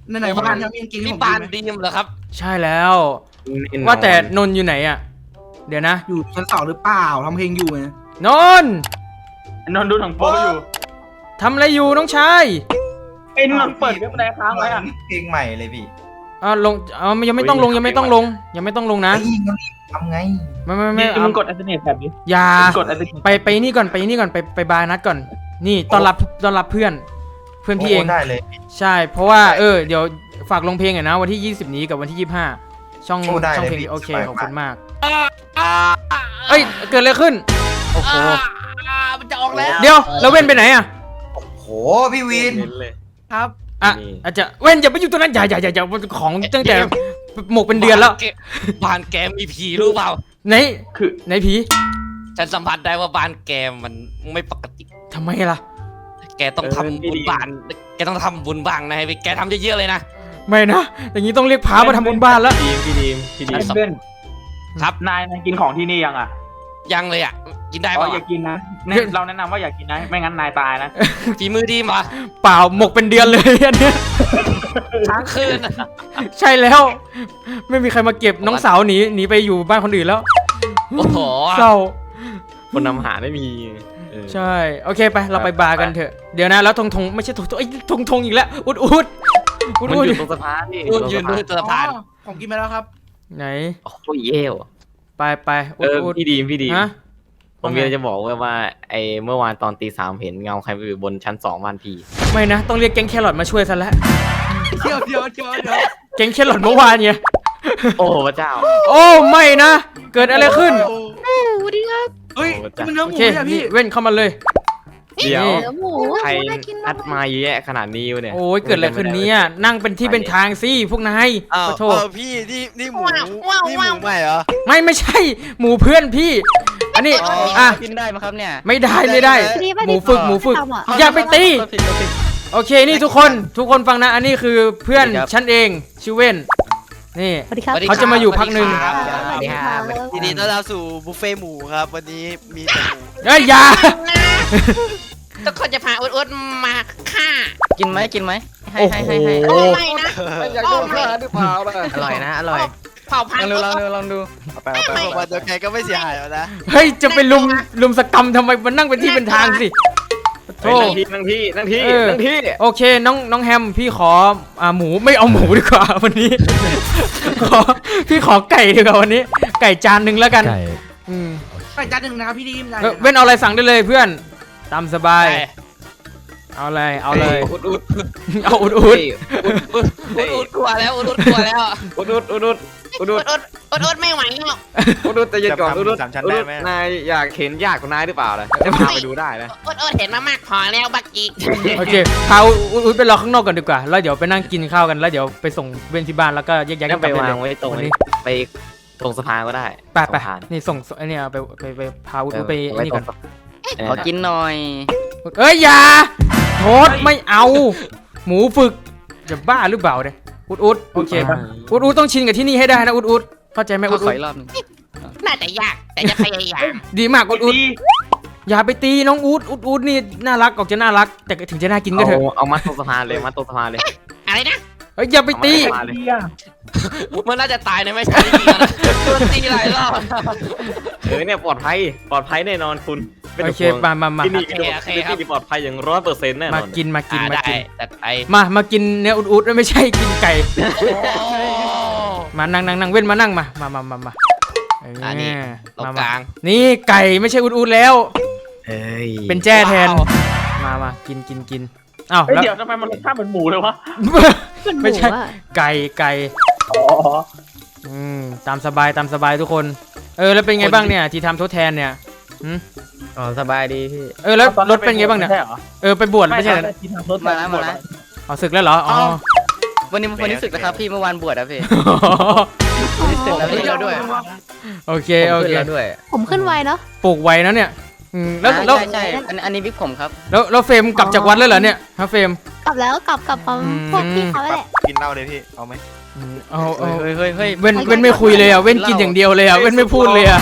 Speaker 6: ในไหนบ้านครับมีกางเกงที่
Speaker 4: นี่
Speaker 6: ผม
Speaker 4: ปาน
Speaker 6: ดี
Speaker 4: ดีมเหรอครับ
Speaker 3: ใช่แล้ว ว่าแต่นนท์อยู่ไหนอ่ะ เดี๋ยวนะ
Speaker 6: อยู่ชั้นสองหรือเปล่าทำเพลงอยู่ไง
Speaker 3: นนท์
Speaker 2: นนท์ดูถังโป๊อยู่
Speaker 3: ทำอะไรอยู่น้องชาย
Speaker 2: ไอ้นนท์เปิดเว็บอะไรค้างไว้อ่ะ
Speaker 8: เพลงใหม่เลยพี่
Speaker 3: อ่าลงอ่ายังไม่ต้องลงยังไม่ต้องลง ยังไม่ต้องลงนะ
Speaker 8: ไอ้ยิงมันทำไง
Speaker 3: ไม่ไม่ไม่
Speaker 2: นี่
Speaker 3: เอา
Speaker 2: มึงกดอัลเทอร์เนทแบบนี้
Speaker 3: อย่า
Speaker 2: กดอัลเทอร์เนท
Speaker 3: ไปไปนี่ก่อนไปนี่ก่อนไปไปบาร์นัดก่อน นี่ต้อนรับต้อนรับเพื่อน เพื่อนพี่เอง
Speaker 8: โได้เลย
Speaker 3: ใช่ เพราะว่าเออเดี๋ยวฝากลงเพลงหน่อยนะวันที่ยี่สิบนี้กับวันที่ยี่สิบห้าช่อง
Speaker 8: โอ้ได้
Speaker 3: ช่อง
Speaker 8: เลย
Speaker 3: เพลง
Speaker 8: พี่
Speaker 3: โอเค
Speaker 8: สบาย
Speaker 3: ขอบคุณมาก
Speaker 4: อ่า
Speaker 3: เอ้ยเกิดอะไรขึ้นโอ้โห
Speaker 4: อ่ามันจะออกแล้ว
Speaker 3: เดี๋ยวแล้วเว้นไปไหนอ่ะ
Speaker 8: โหพี่วิน
Speaker 5: เน้นเลย
Speaker 6: ครับ
Speaker 3: อ่ะ
Speaker 5: นี่
Speaker 3: อาจจะเว้นอย่าไปอยู่ตรงนั้นอย่าอย่าอย่าอย่าของตั้งแต่หมกเป็นเดือนแล้ว
Speaker 4: บ้านแกมีผีรู้เปล่า
Speaker 3: ไหน
Speaker 2: คือ
Speaker 3: ไหนผี
Speaker 4: ฉันสัมผัสได้ว่าบ้านแกมันไม่ปกติ
Speaker 3: ทำไมล่ะ
Speaker 4: แกต้องทำบุญบ้าน แกต้องทำบุญบ้างนะให้แกทำเยอะๆเลยนะ
Speaker 3: ไม่นะอย่างนี้ต้องเรียกพามาทำบุญบ้านแล้ว
Speaker 5: พี่ดีมพี่ดีมพี่ดีม
Speaker 2: เบน
Speaker 4: ครับ
Speaker 2: นายนายกินของที่นี่ยังอ่ะ
Speaker 4: ยังเลยอ่ะ กินได้
Speaker 2: อ๋อ
Speaker 4: ป่ะ
Speaker 2: อย่ากินนะเนี่ยเราแนะนำว่าอย่ากินนะ ไม่งั้นนายตายนะ
Speaker 4: ฝีมือดีมา
Speaker 3: เปล่าหมกเป็นเดือนเลยอันเนี้ย
Speaker 4: ทั้งคืน
Speaker 3: ใช่แล้ว ไม่มีใครมาเก็บน้องสาวหนีหนีไปอยู่บ้านคนอื่นแล้ว
Speaker 4: โอ้โห
Speaker 3: เศร้า
Speaker 5: คนนำหาไม่มีเออ
Speaker 3: ใช่โอเคไปเราไปบาร์กันเถอะเดี๋ยวนะแล้วทงทงไม่ใช่ทงทงไอ้ยทงทงอีกแล้วอุดอุดอุด
Speaker 5: มัน
Speaker 3: อุด
Speaker 5: อยู่ตรงสะพานนี่
Speaker 4: ยืนยืนด้วยตัวผ่าน
Speaker 6: อ๋อผมกินไปแล้วครับ
Speaker 3: ไหน
Speaker 5: โอ้โหเย่ว
Speaker 3: ไปไป
Speaker 5: เอ
Speaker 3: อุด
Speaker 5: อ
Speaker 3: อุด
Speaker 5: พี่ดีมพี่ดีม
Speaker 3: ฮะ
Speaker 5: ผมมีอะไรจะบอกว่าว่าไอ้เมื่อวานตอนตีสามเห็นเงาใครไปอยู่บนชั้นสองบ้านพี่
Speaker 3: ไม่นะต้องเรียกแก๊งแครอทมาช่วยซะแล้ว
Speaker 6: เดี๋ยวเดี๋ยวเดี๋ยวเดี๋ยว
Speaker 3: แก๊งแครอทเมื่อวานไง
Speaker 5: โอ้พระเจ้า
Speaker 3: โอ้ไม่นะ เกิดอะไรขึ้น
Speaker 6: เฮ้ยนี่มันเนื้อห
Speaker 3: โอ
Speaker 6: มู
Speaker 3: เค
Speaker 6: เนี่ย
Speaker 3: นี่
Speaker 6: พี่
Speaker 3: เว้นเข้ามาเลย
Speaker 5: เดี๋ยว
Speaker 7: เนื้อหมู
Speaker 5: ใคร
Speaker 7: น่ากินมา
Speaker 5: อั
Speaker 7: ก
Speaker 5: ดมาเยอะแยะขนาดนี้วะเนี่ย
Speaker 3: โอ้ยเกิดอะไรขึ้นเนี่ยนั่งเป็นที่เป็นทางสิพวกนาย
Speaker 9: อ้าว
Speaker 3: ขอโทษ
Speaker 9: เออพี่นี่นี่หมู
Speaker 1: ว้าวว้าว
Speaker 9: นี่หมู
Speaker 1: ว้าว
Speaker 9: ใหม่เหรอ
Speaker 3: ไม่ไม่ใช่หมูเพื่อนพี่ อันนี้
Speaker 9: อ๋ออ่
Speaker 3: อ่ะ
Speaker 4: กินได้ไหมครับเนี่ย
Speaker 3: ไม่ได้ไม่ได้
Speaker 7: ดีป่ะ
Speaker 3: หมูฝึกหมูฝึก
Speaker 7: ทำอะ
Speaker 3: อย่าไปตี โอเคนี่ทุกคนทุกคนฟังนะ อันนี้คือเพื่อน
Speaker 4: สวัสดีครับ
Speaker 3: ฉันเองชื่อเว้นนี่
Speaker 7: สวัสดีครับ
Speaker 3: เขาจะมาอยู่พักหนึ่ง
Speaker 4: สวัสดีครับ
Speaker 7: สวัสดีครับ
Speaker 9: ทีนี้ต้อนรับสู่บุฟเฟ่ต์หมูครับ วันนี้มีแต่หมู
Speaker 3: เอ้ยอย่า
Speaker 1: นะทุกคนจะพาอุดๆมาฆ่า
Speaker 4: กินไหมกินไหมให้
Speaker 3: โอ้
Speaker 4: ให้
Speaker 3: โห
Speaker 4: ให้ให้
Speaker 1: โอ้ไม่นะ
Speaker 9: อยากโดนฆ่าหรือเปล่าล่ะ
Speaker 4: อร่อยนะ อร่อย
Speaker 1: เผ่าพัน
Speaker 4: ลอง
Speaker 1: ธุ์
Speaker 4: ดูลองดูลองดู
Speaker 9: เอาไปเอาไปเอาไปเดี๋ยวไงก็ไม่เสียหายแล้วนะ
Speaker 3: เฮ้ยจะไปลุมลุมสกรรมทำไมมันนั่งเป็นที่เป็นทางสิโธ่
Speaker 5: เฮ้ยนั่งที่นั่งที่
Speaker 3: เออ
Speaker 5: นั่งที่นั่งที่
Speaker 3: โอเคน้องน้องแฮมพี่ขออ่าหมูไม่เอาหมูดีกว่าวันนี้ ขอพี่ขอไก่ดีกว่าวันนี้ ไก่จานหนึ่งแล้วกันอืม
Speaker 6: ไปจานหนึ่งนะครับพี่ดีมได้
Speaker 3: เออเว้นเอาอะไรสั่งได้เลยเพื่อนตามสบาย เอาเลยเอาเลย
Speaker 4: อุดอุด
Speaker 3: เอาอุดอุด
Speaker 4: อุดอุดกลัวแล้วอุดอุดกลัวแล้ว
Speaker 5: อุดอุดอุดอุดอุดอุด
Speaker 1: อุดๆอุดๆไม่ไหวแล้ว
Speaker 5: อุดอุดแต่เย็นก่อน
Speaker 9: จะทำ
Speaker 5: อุดอุด
Speaker 9: สามชั้น
Speaker 5: อุด
Speaker 9: ได้
Speaker 5: อุด
Speaker 9: ไหม
Speaker 5: นายอยากเห็นญาติของนายหรือเปล่าล่ะจะพาไปดูได้นะ
Speaker 1: อุดๆเห็นมามากพอแล้วบักกี้
Speaker 3: โอเคพาอุดอุดไปรอข้างนอกก่อนดีกว่าแล้วเดี๋ยวไปนั่งกินข้าวกันแล้วเดี๋ยวไปส่งเว้นที่บ้านแล้วก็แยกย้ายกั
Speaker 5: งั้
Speaker 3: น
Speaker 5: น
Speaker 3: กลั
Speaker 5: ไป
Speaker 3: บ
Speaker 5: วาง
Speaker 3: เลย
Speaker 5: ไว้ตรง
Speaker 3: วัน
Speaker 5: นี้
Speaker 3: นี้
Speaker 5: ไปตรงสะพานก็ได้
Speaker 3: ไปไป
Speaker 5: สะพาน
Speaker 3: นี่ส่งไอ้เนี่ยไปไปไปพาอุดอุดไป
Speaker 5: เออ
Speaker 3: ไอ้นี่ก่อน
Speaker 5: ไว้ตรงเออ
Speaker 4: ขอกินหน่อย
Speaker 3: เอ้ยอย่าโทษไม่เอา หมูฝึกจะบ้าหรือเปล่าเนี่ยอุดอุดโอเคอุดอุดต้องชินกับที่นี่ให้ได้นะอุดอุดเข้าใจไหม
Speaker 4: ข
Speaker 3: อุ
Speaker 4: อ
Speaker 3: ด
Speaker 4: ข
Speaker 3: อุ
Speaker 4: อ
Speaker 3: ด
Speaker 4: อีกรอบหนึง
Speaker 1: น่าจะยากแต่จะพยายาม
Speaker 3: ดีมากอุดอุด
Speaker 2: ดี
Speaker 3: อย่าไปตีน้องอุดอุดอุดนี่น่ารักออกจะน่ารัก แต่ถึงจะน่ากินก็เถอะ
Speaker 5: เอาเอามัดตรงสะพานเลยมัดตรงสะพานเลย
Speaker 1: อะไรนะ
Speaker 3: เฮ้ยอย่าไปตี
Speaker 5: เอามาเลย
Speaker 2: ดีอ่ะ
Speaker 4: มันน่าจะตายในไม่ใช่ดีนะโดนตีหลายรอบ
Speaker 5: เออเนี่ยปลอดภัยปลอดภัยแน่นอนคุณไม่
Speaker 3: โอ
Speaker 5: ต้อง
Speaker 3: เค
Speaker 5: ห่วง
Speaker 3: มามามา
Speaker 5: ที่นี่
Speaker 4: โอเคโอเคครับ
Speaker 5: ที่นี่ปลอดภัยอย่างร้อยเปอร์เซ็นต์แน่น
Speaker 3: มา
Speaker 5: อน
Speaker 3: กินมากิน
Speaker 4: อ่า
Speaker 3: มา
Speaker 4: ได้
Speaker 3: กิน
Speaker 4: จัดไป
Speaker 3: มามากินเนื้ออุดอุดไม่ใช่กินไก่
Speaker 4: โอ้
Speaker 3: มานั่งนั่งนั่งเว้นมานั่งมามามามามาเ
Speaker 4: อันนี้ตรง
Speaker 3: มาก มา
Speaker 4: ลาง
Speaker 3: นี่ไก่ไม่ใช่อุดอุดแล้ว
Speaker 5: เฮ้ย
Speaker 3: เป็นแจ้แทน
Speaker 4: ว้าว
Speaker 3: มามากินกินกินอ้าว
Speaker 2: เฮ้ย
Speaker 3: แล้ว
Speaker 2: เดี๋ยวทำไมมันรสชาติเหมือนหมูเลยวะ
Speaker 3: ไม่ใช่
Speaker 7: หอะ
Speaker 3: ไก่ไก่
Speaker 2: อ๋อ
Speaker 3: อืมตามสบายตามสบายทุกคน เออแล้วเป็นไงบ้างเนี่ยที่ทำทดแทนเนี่ยหืม
Speaker 4: อ๋อสบายดีพี่
Speaker 3: เออแล้วรถเป็นไงบ้างเนี่ย
Speaker 2: ใช่เหรอ
Speaker 3: เออไปบวชไม่ใช่
Speaker 2: ไม่
Speaker 3: เหรอ
Speaker 2: ได้กินทางรถ
Speaker 4: มาแล้วมาแล้ว
Speaker 3: เอาศึกแล้วเหรออ๋อ
Speaker 4: วันนี้วันนี้ศึกนะครับพี่เมื่อวานบวชอะพี่วันนี้ศึกแล้วพี่แล้วด้วย
Speaker 3: โอเคโอเค
Speaker 4: ผมขึ้นแล้วด้วย
Speaker 7: ผมขึ้นไวเนาะ
Speaker 3: ปลูกไว้นะเนี่ยอืมแล้ว
Speaker 4: อ่า
Speaker 3: แล้ว
Speaker 4: ใช่ใช่อันอันนี้บิ๊กผมครับ
Speaker 3: แล้วแล้วเฟรมกลับจากวัดแล้วเหรอเนี่ยฮะเฟรม
Speaker 7: กลับแล้วกลับกลับกับ
Speaker 3: อืม
Speaker 7: พวกพี่เขาแหละ
Speaker 9: กินเหล้าเลยพี่ เอาไหม
Speaker 3: อืมเอาเอา
Speaker 4: เฮ้ยเฮ้ยเฮ้ย
Speaker 3: เว้นเว้นไม่คุยเลยอ่ะเว้นกินอย่างเดียวเลยอ่ะเว้นไม่พูดเลยอ่ะ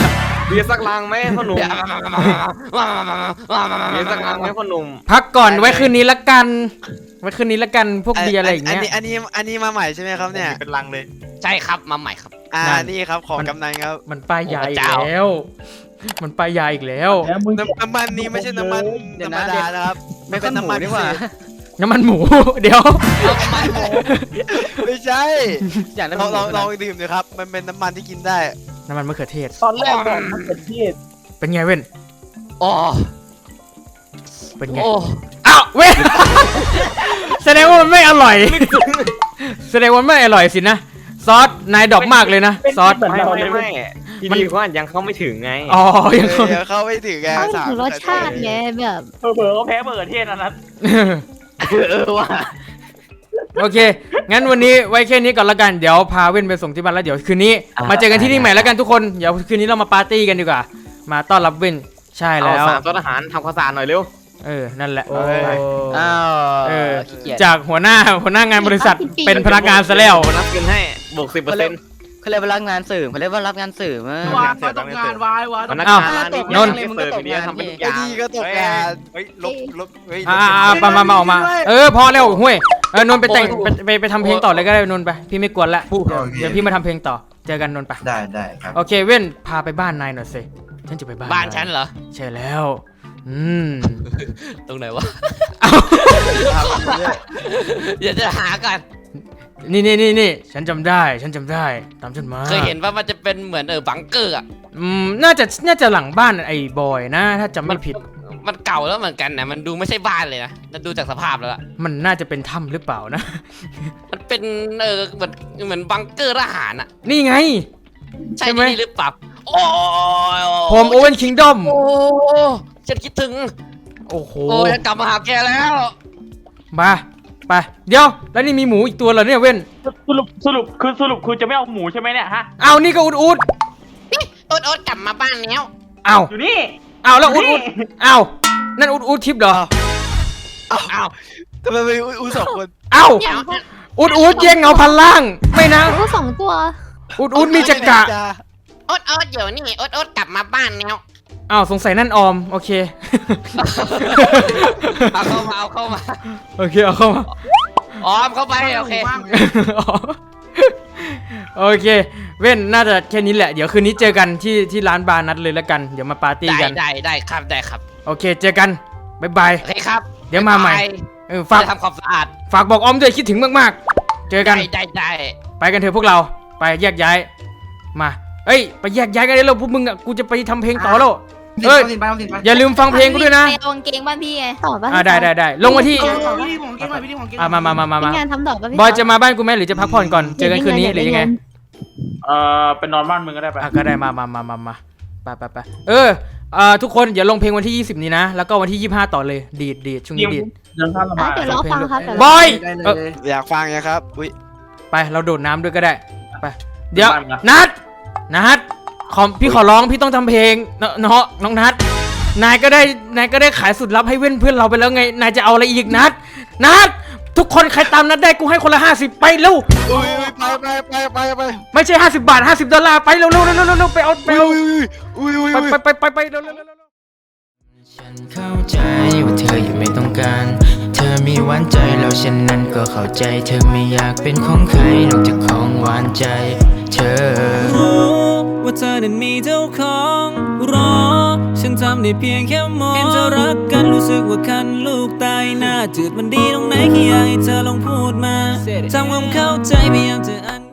Speaker 5: เบียร์สักลังไหมพ่อหนุ่มเบียร์สักลังไหมพ่อหนุ่ม
Speaker 3: พักก่อนไว้คืนนี้ละกัน ไว้คืนนี้ละกันพวกเบียร์อะไรอย่าง
Speaker 9: อัน
Speaker 3: เงี้ย
Speaker 9: นี้อันนี้อันนี้มาใหม่ใช่ไหมครับเนี่ย
Speaker 8: เป็นลังเลย
Speaker 1: ใช่ครับมาใหม่ครับ
Speaker 9: อ่า
Speaker 3: นั่น
Speaker 9: นี่ครับของกำนันครับ
Speaker 3: มันป้ายยาอีก
Speaker 1: โอ้พระเจ้า
Speaker 3: แล้ว มันป้ายยาอีกแล้ว
Speaker 9: น้ำน้ำมันนี้ไม่ใช่น้ำมันธรรมดานะครับไม่เป็นน้ำมันพิเศษ
Speaker 3: น้ำมันหมู เดี๋ยว
Speaker 9: ไม่ใช่
Speaker 4: อย่างนั้น
Speaker 9: ลองลองลองดื่มดูครับ มันเป็นน้ำมันที่กินได้
Speaker 3: น้ำมันมะเขือเทศ
Speaker 2: ตอนแรกแบบมันเป็นที่
Speaker 3: เป็นไงเว้น
Speaker 4: โอ้
Speaker 3: เป็นไง
Speaker 4: โอ้
Speaker 3: อ้าวเว้น แสดงว่ามันไม่อร่อย แสดงว่าไม่อร่อยสินะ ซอส นายดอกมากเลยนะ ซอส
Speaker 5: ไม่ไม่ไม่พี่ดีว่ายังเข้าไม่ถึงไง
Speaker 3: อ๋อ ยัง
Speaker 9: เอ
Speaker 3: คง
Speaker 9: อเข้าไม่ถึงไง
Speaker 7: เขา
Speaker 9: สาม
Speaker 7: ถึงรสชาติไงแบบ
Speaker 2: เผลอๆก็แพ้เบอร์เทศอันนั้น
Speaker 5: เออว่ะ
Speaker 3: โอเค งั้นวันนี้ไว้แค่นี้ก่อนละกัน เดี๋ยวพาเว้นไปส่งที่บ้านแล้วเดี๋ยวคืนนี้ มาเจอกันที่นี่ใหม่แล้วกันทุกคน เดี๋ยวคืนนี้เรามาปาร์ตี้กันดีกว่า มาต้อนรับเว้น ใช่
Speaker 5: เอา
Speaker 3: แล้ว
Speaker 5: สามต้นอาหารทำข้าวสารหน่อยเร็ว
Speaker 3: เออ นั่นแหละ
Speaker 5: โอ้ย
Speaker 4: อ้าว
Speaker 3: เออ
Speaker 4: ขี้เกียจ
Speaker 3: จากหัวหน้าหัวหน้างานบริษัทเป็นพนักงานซะแล้ว
Speaker 5: ผมนับเงินให้บวกสิบเปอร์เซ็นต์
Speaker 4: เขาเรียกว่ารับงานสื่อเขาเรียกว่ารับงานสื่อมาว
Speaker 6: ายตกงานวายวาย
Speaker 5: พนัก
Speaker 3: อ้าว
Speaker 5: งานร้านนี้
Speaker 3: นนท์
Speaker 5: เสิร์ฟอย่างเดียวทำเป็นทุกอ
Speaker 9: ไอ้
Speaker 5: ย่าง
Speaker 9: ดีก็ตกงาน
Speaker 8: เฮ้ยลบลบเฮ้ย
Speaker 3: อ่าๆมามามาออกมา เออ พอแล้วห้วย เออนนท์ไปแต่งไปไปไปทำเพลงต่อเลยก็ได้นนท์ไป พี่ไม่กวนละเดี๋ยวเดี๋ยวพี่มาทำเพลงต่อ เจอกันนนท์ไป
Speaker 8: ได้ได้ครับ
Speaker 3: โอเคเว้น พาไปบ้านนายหน่อยสิ ฉันจะไปบ้าน
Speaker 1: บ้าน
Speaker 3: ย
Speaker 1: ฉันเหรอ
Speaker 3: ใช่แล้ว อืม
Speaker 4: ตรงไหนวะ
Speaker 3: เอา
Speaker 1: เดี๋ยวจะหากัน
Speaker 3: นี่นี่นี่นี่ฉันจำได้ ฉันจำได้ ตามฉันมา
Speaker 1: เคยเห็นว่ามันจะเป็นเหมือนเออบังเกอร์อ่ะ
Speaker 3: อืม น่าจะ น่าจะหลังบ้านไอ้บอยนะ ถ้าจำไม่ผิด
Speaker 1: มันเก่าแล้วเหมือนกันนะมันดูไม่ใช่บ้านเลยนะแต่ดูจากสภาพแล้วอะ
Speaker 3: มันน่าจะเป็นถ้ำหรือเปล่านะ
Speaker 1: มันเป็นเออเหมือนเหมือนบังเกอร์ทหารอ่ะ
Speaker 3: นี่ไง
Speaker 1: ใช่
Speaker 3: ใช่ไหม
Speaker 1: ที่นี่หรือเปล่าโอ้ย
Speaker 3: โฮมโอเวนคิงดอม
Speaker 1: โอ้ฉันคิดถึง
Speaker 3: โอ้โห
Speaker 1: โอ้ยฉันกลับมาหาแกแล้ว
Speaker 3: มา ไป เดี๋ยว แล้วนี่มีหมูอีกตัวเหรอเนี่ยเว้น
Speaker 2: สรุปสรุปคือสรุปคือจะไม่เอาหมูใช่ไหมเนี่ยฮะ
Speaker 3: เอานี่ก็อุดอุด
Speaker 1: โอ๊ตโอ๊ตกลับมาบ้านแล้ว
Speaker 3: เอา
Speaker 2: อยู่นี่
Speaker 3: เอาแล้วอุดอุดเอานั่นอุดอุดทิปเหรอ
Speaker 1: อ้าว
Speaker 9: ทำไมมีอุ้ยสองคน
Speaker 3: เอา
Speaker 1: เดี๋ยว
Speaker 3: อุดอุดแย่งเงาพันล่าง ไม่นะ
Speaker 7: ก็สองตัว
Speaker 3: อุดอุดมีจักระ
Speaker 1: โอ๊ตโอ๊ตเดี๋ยวนี่โอ๊ตโอ๊ตกลับมาบ้านแล้ว
Speaker 3: อ้าวสงสัยนั่นออม โอเค
Speaker 1: เอาเข้ามาเอาเข้ามา
Speaker 3: โอเค เอาเข้ามา
Speaker 1: ออมเข้าไปโอเค
Speaker 3: โอเค เว้น น่าจะแค่นี้แหละ เดี๋ยวคืนนี้เจอกันที่ที่ร้านบาร์นัดเลยแล้วกัน เดี๋ยวมาปาร์ตี้
Speaker 1: ได้
Speaker 3: กัน
Speaker 1: ได้ได้ครับได้ครับ
Speaker 3: โอเค เจอกัน บ๊ายบาย
Speaker 1: โอเคครับ
Speaker 3: เดี๋ยวมาใหม่ เออ ฝาก
Speaker 1: จะทำความสะอาด
Speaker 3: ฝากบอกออมด้วยคิดถึงมากๆ เจอกัน
Speaker 1: ได้ได้ได้
Speaker 3: ไปกันเถอะพวกเรา ไปแยกย้าย มา เอ้ย ไปแยกย้ายกันได้แล้วพวกมึงอ่ะ กูจะไปทำเพลงต่อแล้ว เอ้ย
Speaker 6: ไปเอาสิไป
Speaker 3: อย่าลืมฟังเพลงกูด้วยนะ
Speaker 7: ไปเอากางเกงบ้านพี่ไงต่อบ้าน
Speaker 3: อ่าได้ได้ได้ลงมาที่
Speaker 6: เอาของพี่ของเก่งหน่อยพี่ของเก่ง
Speaker 3: อ่ามามามามา
Speaker 7: มี
Speaker 3: มาง
Speaker 7: านทำต่อบ้านพี่
Speaker 3: บอยจะมาบ้านกูไหมหรือจะพักผ่อนก่อน เจอกันคืนนี้หรือยังไง
Speaker 2: เอ่อเป็นนอนบ้านมึงก็ได้ไป
Speaker 3: อ่ะก็ได้มามามามามาไปไปไปเออเอ่อทุกคนอย่าลงเพลงวันที่ยี่สิบนี้นะ แล้วก็วันที่ยี่สิบห้าต่อเลย ดีดดีดช่วงนี้ดีด
Speaker 2: เดินข้ามละ
Speaker 7: อ่ะ
Speaker 2: มา
Speaker 7: เดี๋ยวรอฟังครับเดี๋ยว
Speaker 3: บ
Speaker 7: รอ
Speaker 3: อย
Speaker 6: ได้เล
Speaker 3: เออย
Speaker 9: อยากฟังไงครับ อุ้ย
Speaker 3: ไปเราโดดน้ำด้วยก็ได้ ไป เดี๋ยว นัด นัด ขอพี่ขอร้องพี่ต้องทำเพลงเนาะเนาะน้องนัด นายก็ได้ นายก็ได้ขายสุดลับให้เว้นเพื่อนเราไปแล้วไง นายจะเอาอะไรอีกนัด นัด ทุกคนใครตามนัดได้กูให้คนละห้าสิบไปเร็ว
Speaker 9: อุ้ยไปไปไปไปไป
Speaker 3: ไม่ใช่ห้าสิบบาทห้าสิบดอลลาร์ไปเร็วเร็วเร็วเร็วเร็วไปเอาไป
Speaker 9: อุ้ย
Speaker 3: เอา
Speaker 9: อุ้ยอุ้ย
Speaker 3: ไปไปไปไปไปเร็วเร็วเร็วเร็ว
Speaker 10: ฉันเข้าใจว่าเธอยังไม่ต้องการ เธอมีหวานใจแล้วฉันนั้นก็เข้าใจ เธอไม่อยากเป็นของใครนอกจากของหวานใจ เธอรู้ว่าเธอนั้นมีเจ้าของรอ ฉันทำได้เพียงแค่มองเห็นเธอรักกันรู้สึกว่าคันลูกตายหน้าจืดมันดีตรงไหนแค่อยากให้เธอลองพูดมาทำความเข้าใจพยายามจะอัน